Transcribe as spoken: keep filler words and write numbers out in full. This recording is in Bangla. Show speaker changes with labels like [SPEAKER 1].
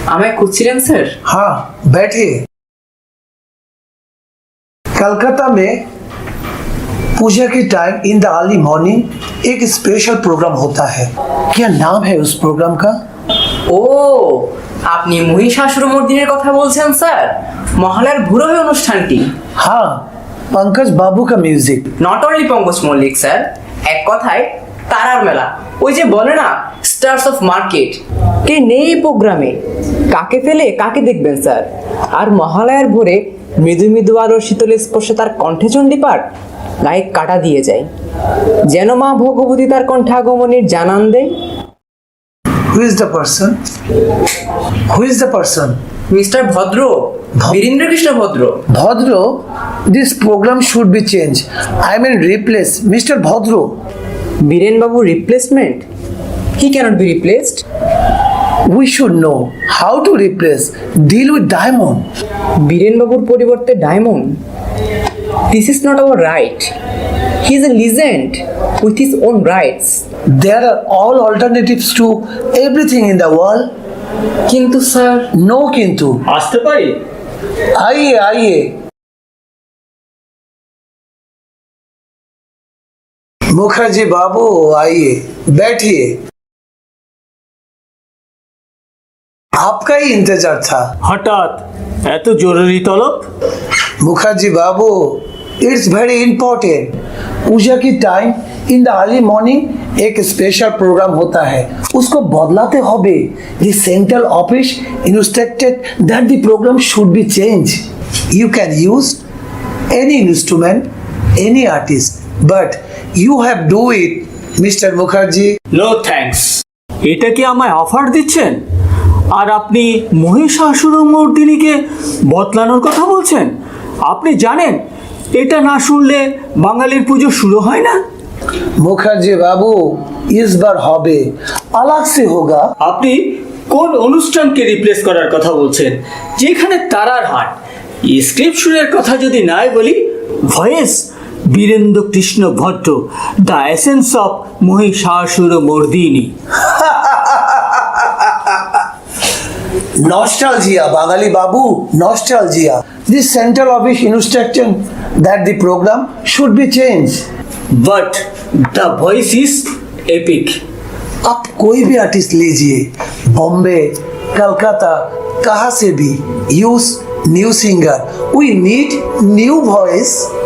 [SPEAKER 1] আমায় খুঁজছিলেন স্যার?
[SPEAKER 2] हाँ बैठिए। कलकत्ता में पूजा के time in the early morning एक स्पेशल प्रोग्राम होता है। क्या नाम है उस प्रोग्राम का?
[SPEAKER 1] ও, আপনি মহিষাসুরমর্দিনীর কথা বলছেন স্যার? মহালয়ার ভোরে অনুষ্ঠানটি।
[SPEAKER 2] हाँ, पंकज बाबू का music.
[SPEAKER 1] Not only Pankaj Mallick sir, এক কথায় তারার মেলা। ওই যে বলে না, স্টার্স অফ মার্কেট। কে নেই এই প্রোগ্রামে? কাকে ফেলে কাকে দেখবেন স্যার? আর মহালয়ার ভোরে মৃদু মৃদু আলোর শীতল স্পর্শে তার কণ্ঠে চণ্ডীপাঠ গায়ে কাটা দিয়ে যায়, যেন মা ভগবতী তার কণ্ঠে আগমনের জানান দেয়।
[SPEAKER 2] Who is the person? Who is the person?
[SPEAKER 1] Mister Bhadra, Birendra Krishna ভদ্র।
[SPEAKER 2] Bhadro, this program should be changed. I mean replace Mister Bhadro.
[SPEAKER 1] Biren বাবু replacement? He cannot be replaced.
[SPEAKER 2] We should know how to replace. Deal with Diamond.
[SPEAKER 1] Biren বাবুর পরিবর্তে diamond? This is not our right. He is a legend with his own rights.
[SPEAKER 2] There are all alternatives to everything in the world.
[SPEAKER 1] কিন্তু স্যার,
[SPEAKER 2] No kintu.
[SPEAKER 3] আসতে পারি?
[SPEAKER 2] आइए आइए। मुखर्जी बाबू आइए, बैठिए। आपका ही इंतजार था।
[SPEAKER 3] হঠাৎ এত জরুরি তলব?
[SPEAKER 2] मुखर्जी बाबू, इट्स वेरी इंपॉर्टेंट। पूजा की time in the early morning एक स्पेशल प्रोग्राम होता है, उसको बदलाते होबे। The central office instructed that the program should be change. You can use any instrument, any artist, but you have do it, mister Mukherjee.
[SPEAKER 3] No thanks. এটা কি আমায় অফার দিচ্ছেন? আর আপনি মহিষাসুরমর্দিনীকে বদলানোর কথা বলছেন? আপনি জানেন এটা না শুনলে বাঙালির পুজো শুরু হয় না।
[SPEAKER 2] মুখার্জি বাবু, इस बार হবে, अलग से होगा।
[SPEAKER 3] আপনি কোন অনুষ্ঠানকে রিপ্লেস করার কথা বলছেন যেখানে তারার হাট? স্ক্রিপশনের কথা যদি নাই বলি, voice Birendra Krishna Bhadra, the essence of Mahishasuramardini.
[SPEAKER 2] Nostalgia, Bangali Babu, nostalgia. This central office instruction that the program should be changed.
[SPEAKER 3] But the voice is epic.
[SPEAKER 2] आप कोई भी आर्टिस्ट लीजिए, बॉम्बे, कलकत्ता, कहाँ से भी, use new singer. We need new voice.